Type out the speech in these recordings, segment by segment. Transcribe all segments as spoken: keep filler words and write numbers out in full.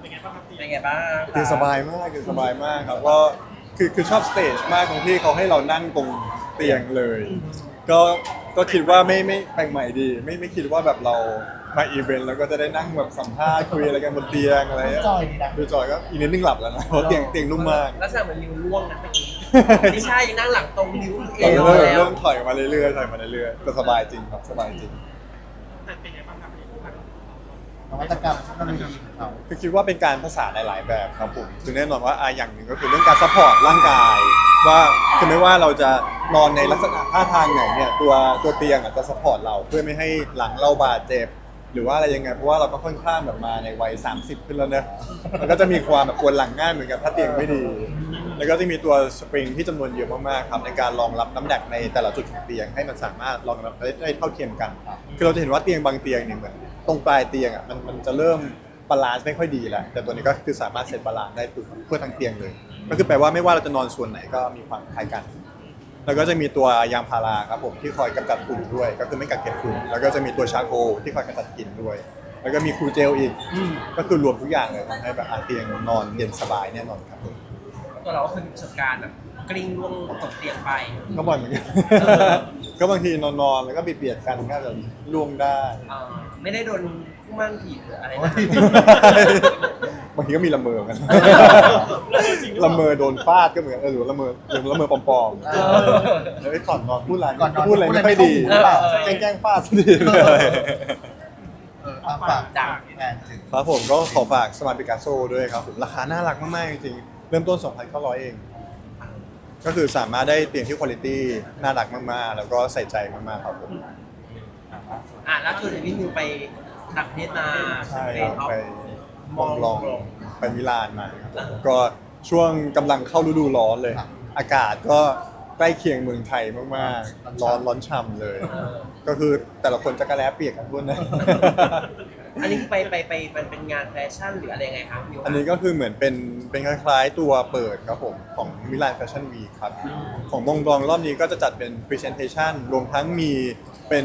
เป็นไงบ้างครับเป็นไงบ้างคือสบายมากคือสบายมากครับก็คือคือชอบสเตจมากตรงที่เขาให้เรานั่งตรงเตียงเลย ก็ก็คิดว่าไม่ไม่แปลกใหม่ดีไม่ไม่คิดว่าแบบเรามาอีเวนต์แล้วก็จะได้นั่งแบบสัมภาษณ์คุยอะไรกันบนเตียงอะไรจอยดีนะดูจอยก็อีกนิดนึงหลับแล้วนะเพราะเตียงเตียงนุ่มมากลักษณะเหมือนนิวล่วงนะเมื่อกี้ไม่ใช่ยังนั่งหลังตรงนิ้วเอเริ่วมแล้วเริ่มถอยมาเรื่อยๆถอยมาเรื่อยๆแต่สบายจริงครับสบายจริงแต่เป็นไงบ้างครับนวัตกรรมเทคโนโลยีของเขาคือคิดว่าเป็นการผสานหลายๆแบบครับผมคือแน่นอนว่าอ่ะอย่างหนึ่งก็คือเรื่องการซัพพอร์ตร่างกาย ว่าคือไม่ว่าเราจะนอนในลักษณะท่าทางไหนเนี่ยตัวตัวเตียงอ่ะจะซัพพอร์ตเราเพื่อไม่ให้หลังเราบาดเจ็บหรือว่าอะไรยังไงเพราะว่าเราก็ค่อนข้างแบบมาในวัยสามสิบขึ้นแล้วเนอะมันก็จะมีความแบบปวดหลังง่ายเหมือนกันถ้าเตียงไม่ดี แล้วก็จะมีตัวสปริงที่จำนวนเยอะมากๆครับในการรองรับน้ำหนักในแต่ละจุดของเตียงให้มันสามารถรองรับได้เท่าเทียมกันคือเราจะเห็นว่าเตียงบางเตียงเนี่ยเหมือนตรงปลายเตียงอ่ะมันมันจะเริ่มบาลานซ์ไม่ค่อยดีแล้วแต่ตัวนี้ก็คือสามารถเซตบาลานซ์ได้เพื่อทั้งเตียงเลยก็คือแปลว่าไม่ว่าเราจะนอนส่วนไหนก็มีความคล้ายกัน แล้วก็จะมีตัวยางพาราครับผมที่คอยกำจัดฝุ่นด้วย ก็คือไม่กัดเก็บฝุ่นแล้วก็จะมีตัวชาโคลที่คอยกำจัดกลิ่นด้วย แล้วก็มีคูลเจลอีกก็คือรวมทุกอย่างเลยทำให้แบบอ่ะเตียงนอนเย็นสบายแน่นอนครับผมตัวเราก็คือมีประสบการณ์แบบกลิ้งล่วงตกเตียงไปก็บ่อยเหมือนกัน ก็บางทีนอนๆแล้วก็เบียดๆกันก็จะล่วงได้เอ่อไม่ได้โดนผู้มั่นผีหรืออะไรนะบางทีก็มีละเมอกัน ละเมอโดนฟาดก็เหมือนเออหรือละเมอหรือละเมอปลอมๆเออแล้วไอ้ก่อนนอนพูดอะไรก่อนนอนพูดอะไรไม่ค่อยดีพูดอะไรไม่เข้าหูหรือเปล่าแกล้งๆฟาดซะดีเลยเออเอาฝากดังแอนถึงครับผมก็ขอฝากสมาร์ทปิกัสโซด้วยครับผมราคาน่ารักมากๆจริงๆเริ่มต้น สองพันเก้าร้อย เอง ก็คือสามารถได้เตียงที่คุณภาพน่ารักมากๆ แล้วก็ใส่ใจมากๆครับผมอ่ะล่าสุดพี่นิวไปต่างประเทศมาใช่เฟคสรับออฟไปมองลองมองลองไปมิลานมาครับก็ช่วงกำลังเข้าฤดูร้อนเลย อากาศก็ใกล้เคียงเมืองไทยมากๆ ร้อนร้อนฉ่ำเลย ก็คือแต่ละคนจะกระแลเปียกกันทุกนะอันนี้คือไปไปไปมันเป็นงานแฟชั่นหรืออะไรยังไงครับนิวอันนี้ก็คือเหมือนเป็นเป็นคล้ายๆตัวเปิดครับผมของมิลานแฟชั่นวีครับของมงดองรอบนี้ก็จะจัดเป็น Presentation รวมทั้งมีเป็น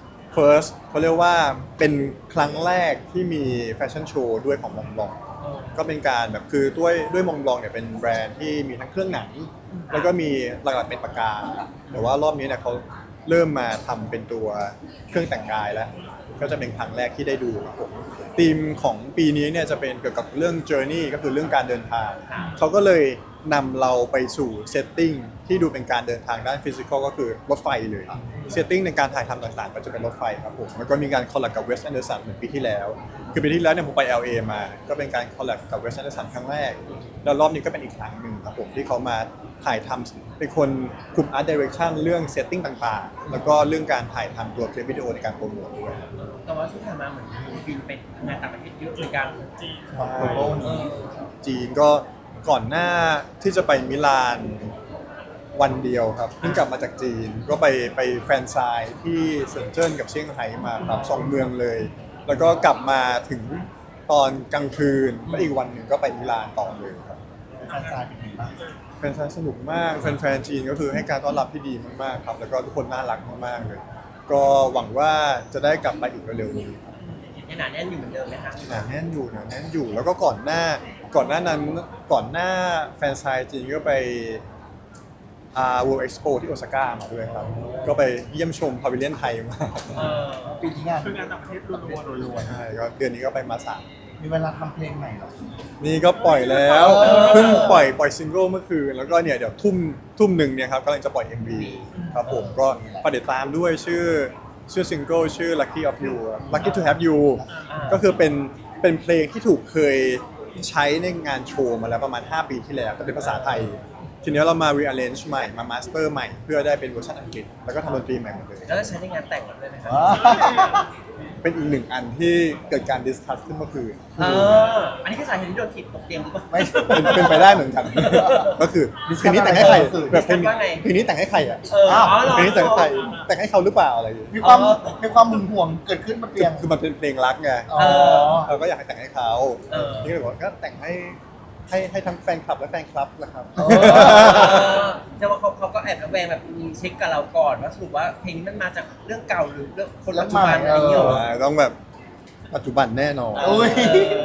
First เขาเรียกว่าเป็นครั้งแรกที่มีแฟชั่นโชว์ด้วยของมงดองก็เป็นการแบบคือด้วยด้วยมงดองเนี่ยเป็นแบรนด์ที่มีทั้งเครื่องหนัง แล้วก็มีหลักๆเป็นปากกา แต่ว่ารอบนี้เนี่ยเขาเริ่มมาทำเป็นตัวเครื่องแต่งกายแล้ว ก็จะเป็นครั้งแรกที่ได้ดูครับผมธีมของปีนี้เนี่ยจะเป็นเกี่ยวกับเรื่อง journey ก็คือเรื่องการเดินทาง เขาก็เลยนำเราไปสู่เซตติ้งที่ดูเป็นการเดินทางด้านฟิสิกอลก็คือรถไฟเลยเซตติ้งในการถ่ายทำต่างๆ ก็จะเป็นรถไฟครับผมแล้วก็มีการคอลแลบกับเวสต์แอนเดอร์สันเหมือนปีที่แล้ว คือปีที่แล้วเนี่ยผมไป แอล เอ มา ก็เป็นการคอลแลบกับเวสต์แอนเดอร์สันครั้งแรก แล้วรอบนี้ก็เป็นอีกครั้งหนึ่งครับผมที่เขามาถ่ายทำเป็นคนคุม Art Direction เรื่องเซตติ้งต่างๆ แล้วก็เรื่องการถ่ายทำตัวคลิปวิดีโอในการโปรโมทด้วยแต่ว่าที่ผ่านมาเหมือนบินไปทำงานต่างประเทศเยอะเหมือนกันของโกลบอลนี้จีนก็ก่อนหน้าที่จะไปมิลานวันเดียวครับเพิ่งกลับมาจากจีนก็ไปไปแฟรนไชส์ที่เซินเจิ้นกับเซี่ยงไฮ้มาครับสองเมืองเลย แล้วก็กลับมาถึงตอนกลางคืนแล้วอีกวันหนึ่งก็ไปมิลานต่อเลยครับแฟนซายเป็นยังไงบ้างแฟนๆสนุกมากแฟนๆจีนก็คือให้การต้อนรับที่ดีมากๆครับแล้วก็ทุกคนน่ารักมากๆเลย ก็หวังว่าจะได้กลับไปอีกเร็วๆนี้ยังหนาแน่นอยู่เหมือนเดิมไหมคะหนาแน่นอยู่หนาแน่นอยู่แล้วก็ก่อนหน้าก่อนหน้านั้นก่อนหน้าแฟนไซน์จีนก็ไปอ่า World Expo ที่โอซาก้ามาด้วยครับ ก็ไปเยี่ยมชมพาวิเลียนไทยมาเออปีที่งานคืองานต่างประเทศล้วนๆรวยใช่ก็เดือนนี้ก็ไปมาสามๆมีเวลาทำเพลงใหม่เหรอนี่ก็ปล่อยแล้วเออเพิ่งปล่อยปล่อยซิงเกิลเมื่อคืนแล้วก็เนี่ยเดี๋ยวทุ่มทุ่มหนึ่งเนี่ยครับกำลังจะปล่อย เอ็ม วี ครับผมก็ฝากติดตามด้วยชื่อชื่อซิงเกิลชื่อ Lucky of You ครับ Lucky to Have You ก็คือเป็นเป็นเพลงที่ถูกเคยใช้ในงานโชว์มาแล้วประมาณ ห้า ปีที่แล้วแต่เป็นภาษาไทย ทีนี้เรามา rearrange ใหม่มา master ใหม่ เพื่อได้เป็นเวอร์ชันอังกฤษ แล้วก็ทำดนตรีใหม่หมดเลยแล้วจะใช้ในงานแต่งด้วยไหมครับเป็นอีกหนึ่งอันที่เกิดการ discuss ขึ้นเมื่อคืนเอออันนี้คือสาเหตุที่โดนถีบตกเตียงหรือเปล่าไม่เป็นเป็นไปได้เหมือนกัน ก็คือเพลงนี้แต่งให้ใครแบบเพลงว่าไงเพลงนี้แต่งให้ใครอ่ะเอออ๋อเหรอเพลงนี้แต่งให้ใครแต่งให้เขาหรือเปล่าอะไรอย่างเงี้ยมีความมีความหึงหวงเกิดขึ้นบนเตียงคือมันเป็นเพลงรักไงอ๋อเราก็อยากให้แต่งให้เขาเออนี่ก็เลยบอกว่าก็แต่งให้ให้ให้ทั้งแฟนคลับและแฟนคลับนะครับเออแต่ว่าเขาเขาก็แอบระแวงแบบมีเช็คกับเราก่อนว่าสรุปว่าเพลงนี้มันมาจากเรื่องเก่าหรือเรื่องคนปัจจุบันอะไรอย่างเงี้ยเหรอต้องแบบปัจจุบันแน่นอนโอ้ยเออ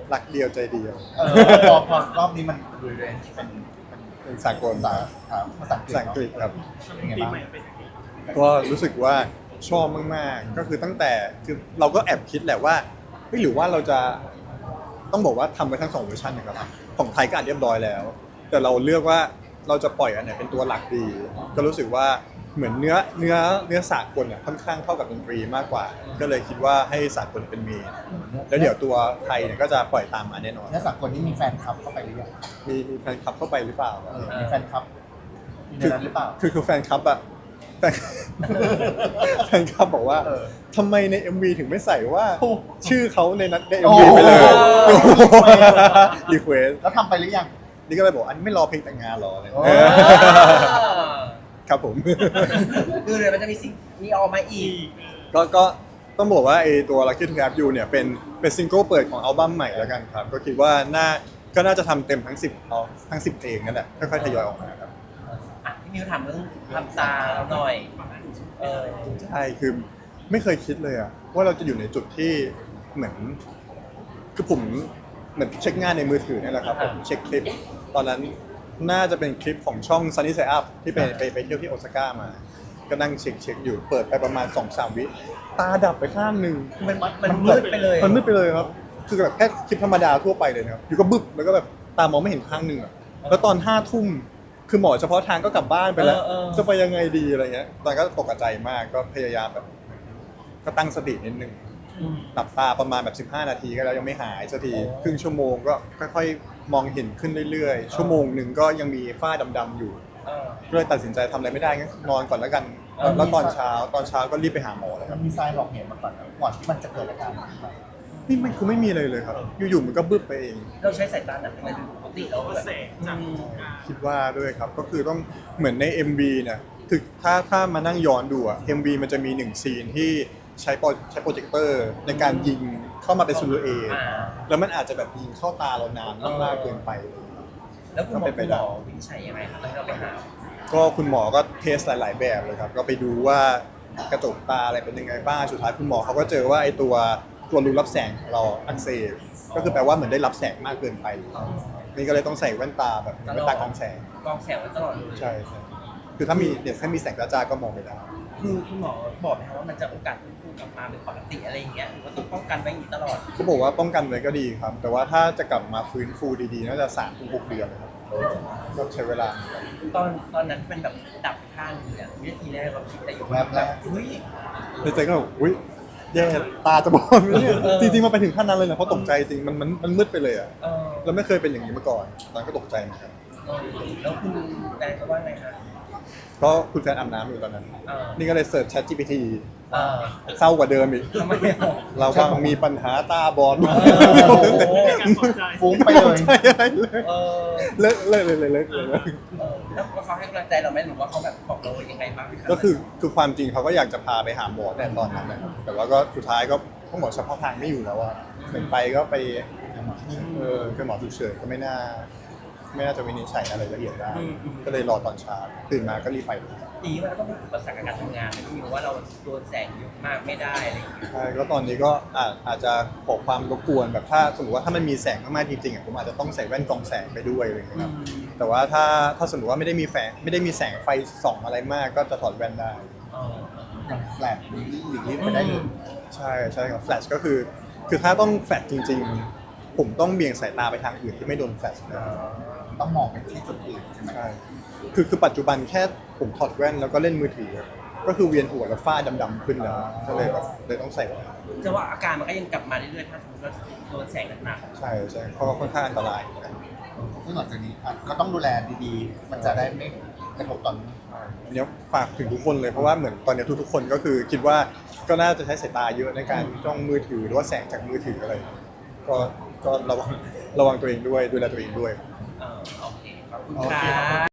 รักเดียวใจเดียวเออพอพอรอบนี้มันรีเรนจ์เป็นเป็นเป็นสากลภาษาครับภาษาอังกฤษภาษาอังกฤษครับเป็นไงปีบ้างใหม่เป็นอย่างนี้ก็รู้สึกว่าชอบมากๆ ก็คือตั้งแต่คือเราก็แอบคิดแหละว่าเฮ้ยหรือว่าเราจะต้องบอกว่าทำไปทั้งสองเวอร์ชันนะครับของไทยก็อ่านเรียบร้อยแล้ว แต่เราเลือกว่าเราจะปล่อยอันไหนเป็นตัวหลักดี ก็รู้สึกว่าเหมือนเนื้อเนื้อเนื้อสากลอ่ะค่อนข้างเข้ากับดนตรีมากกว่า ก็เลยคิดว่าให้สากลเป็นเมนแล้วเดี๋ยวตัวไทยเนี่ยก็จะปล่อยตามมาแน่นอนเนื้อสากลนี่มีแฟนคลับเข้าไปหรือยังมีมีแฟนคลับเข้าไปหรือเปล่าเออมีแฟนคลับมีในนั้นหรือเปล่าคือคือแฟนคลับอะแฟน แฟนคลับบอกว่าเออทำไมใน เอ็ม วี ถึงไม่ใส่ว่าโอ้ชื่อเขาในนั้นในโอ้เอ็ม วี ไปเลยรีเควสแล้วทำไปหรือยังนี่ก็เลยบอกอันไม่รอเพลงแต่งงานหรออะไรโอ้เออครับผมคือเดี๋ยวมันจะมีสิ่งมีออกมาอีกก็ก็ต้องบอกว่าไอตัว Lucky to Have You เนี่ยเป็นเป็นซิงเกิลเปิดของอัลบั้มใหม่แล้วกันครับ ก็คิดว่าน่าก็น่าจะทำเต็มทั้งสิบเอาทั้งสิบเพลงนั่นแหละค่อยๆทยอยออกมาครับอ่ะพี่มิวถามเรื่องทำตาเราหน่อย เออใช่คือไม่เคยคิดเลยอะว่าเราจะอยู่ในจุดที่เหมือนคือผมเหมือนเช็คงานในมือถือนี่แหละครับผมเช็คคลิป ตอนนั้นน่าจะเป็นคลิปของช่อง Sunny Side Up ที่ไปไปไปเที่ยวที่โอซาก้ามา ก็นั่งเช็คเช็คอยู่เปิดไปประมาณ สองสาม วิตาดับไปข้างหนึ่งมันมันมืดไปเลยมันมืดไปเลยครับ คือแบบแค่คลิปธรรมดาทั่วไปเลยนะครับอยู่ก็บึ๊บแล้วก็แบบตามองไม่เห็นข้างหนึ่งอะแล้วตอนห้าทุ่มคือหมอเฉพาะทางก็กลับบ้านไปแล้วเออเออจะไปยังไงดีอะไรเงี้ย ตอนนนก็ตกใจมากก็พยายามแบบ ก็ตั้งสตินิดนึงอืมหลับตาประมาณแบบสิบห้านาทีก็แล้วยังไม่หายสักทีโอ้ครึ่งชั่วโมงก็ค่อยๆ มองเห็นขึ้นเรื่อยๆ ชั่วโมงหนึ่งก็ยังมีฝ้าดำๆอยู่เออก็เลยตัดสินใจทำอะไรไม่ได้งั้นนอนก่อนแล้วกันเออแล้วตอนเช้าตอนเช้าก็รีบไปหาหมอเลยคมัรับนมีทรายหลอกเหตุมาก่อนนะก่อนที่มันจะเกิดอาการนี้ไปนี่มันคือไม่มีเลยเลยครับ อยู่ๆมันก็บึ้บไปเองเราใช้สายตาหนักไหมปกติเราก็แบบแสงจากอืมคิดว่าด้วยครับ ก็คือต้องเหมือนใน เอ็ม วี เนี่ยคือถ้าถ้ามานั่งย้อนดูอะ เอ็ม วี มันจะมีหนึ่งซีนที่ใช้โปรใช้โปรเจคเตอร์ในการยิงเข้ามาเป็นซูลูเออ่าแล้วมันอาจจะแบบยิงเข้าตาเรานานมากๆเกินไปแล้วคุณหมอก็เป็นไปคุณหได้มอวินิจฉัยยังไงครับตอนที่เราไปหาก็คุณหมอก็เทสหลาย ๆ แบบเลยครับ ก็ไปดูว่ากระจกตาอะไรเป็นยังไงบ้าง สุดท้ายคุณหมอเขาก็เจอว่าไอ้ตัวตัวรูรับแสงของเราอักเสบ ก็คือแปลว่าเหมือนได้รับแสงมากเกินไป นี่ก็เลยต้องใส่แว่นตาแบบแว่นตากรองแสงกรองแสงไว้ตลอดเลยใช่ใช่คือถ้ามีเนี่ยถ้ามีแสงจ้าๆก็มองไม่ได้คือคุณหมอบอกไหมครับว่ามันจะโอกาสฟื้นฟูกลับมาเป็นปกติอะไรอย่างเงี้ยหรือว่าต้องป้องกันไว้อย่างนี้ตลอดเขาบอกว่าป้องกันไว้ก็ดีครับ แต่ว่าถ้าจะกลับมาฟื้นฟูดีๆ น่าจะสามถึงหกเดือนนะครับก็ใช้เวลาตอนตอนนั้นเป็นแบบดับไปข้างหนึงเนี่ยวินาทีแรกเราคิดอะไรอยู่แวบแรกเฮ้ยในใจก็แบบอุ้ยแย่ตาจะบอดไหมเนี่ยเออจริงๆมันไปถึงขั้นนั้นเลยนะเพราะตกใจจริงมันมันมันมืดไปเลยอะเออเราไม่เคยเป็นอย่างนี้มาก่อนตอนนนก็ตกใจเหมือนกันเออแล้วคุณแฟนเขาว่าไงคะก็คุณแฟนอาบน้ำอยู่ตอนนั้นเออนี่ก็เลยเสิร์ช Chat จี พี ทีเออเศร้ากว่าเดิมอีกทำไมอ่ะเราว่ามีปัญหาตาบอดเออโอ้โหการตกใจฟุ้งไปเลยใช่อะไรเลยเออเลิกเลิกเลยเลยเลิกเลยเออแล้วเขาให้กำลังใจเราไหมหรือว่าเขาแบบบอกเรายังไงบ้างรับก็คือคือความจริงเขาก็อยากจะพาไปหาหมอแต่ตอนนั้นนะครับแต่ว่าก็สุดท้ายก็ต้องหมอเฉพาะทางไม่อยู่แล้วอะเหมือนไปก็ไปเออคือหมอฉุกเฉินก็ไม่น่า ไม่น่าจะวินิจฉัยอะไรละเอียดได้ ก็เลยรอตอนเช้าตื่นมาก็รีบไปเลยดีว่าเราต้องเป็นอุปสรรคกับการทำงานนะที่ว่าเราโดนแสงเยอะมากไม่ได้อะไรอย่างเงี้ยใช่ก็ตอนนี้ก็อาจอาจจะขอความรบกวนแบบถ้าสมมติว่าถ้ามันมีแสงมากๆจริงๆอ่ะผมอาจจะต้องใส่แว่นกรองแสงไปด้วยอะไรอย่างเงี้ยครับแต่ว่าถ้าถ้าสมมติว่าไม่ได้มีแสงไม่ได้มีแสงไฟส่องอะไรมากก็จะถอดแว่นได้เอออย่างแฟลชหลีกหลีกเลี่ยงไปได้เลยใช่ใช่ครับแฟลชก็คือ คือถ้าต้องแฟลชจริง ๆ ผมต้องเบี่ยงสายตาไปทางอื่นที่ไม่โดนแฟลชนะต้องมองไปที่จุดอื่นใช่ไหมใช่คือคือปัจจุบันแค่ผมถอดแว่นแล้วก็เล่นมือถือ ก็คือเวียนหัวแล้วฝ้าดำๆขึ้นแล้วก็เลยแบบเลยต้องใส่แว่นจะว่าอาการมันก็ยังกลับมาเรื่อยๆถ้าสมมติว่าโดนแสงหนักใช่ใช่เพราะว่าค่อนข้างอันตรายซึ่งหลังจากนี้อ่ะก็ต้องดูแลดีๆ มันจะได้ไม่กระทบต่ออันนี้ฝากถึงทุกคนเลยเพราะว่าเหมือนตอนนี้ทุกๆคนก็คือคิดว่าก็น่าจะใช้สายตาเยอะในการจ้องมือถือหรือว่าแสงจากมือถืออะไร ก็ก็ระวังระวังตัวเองด้วยดูแลตัวเองด้วยๆเออโอเคขอบคุณโอคเครับ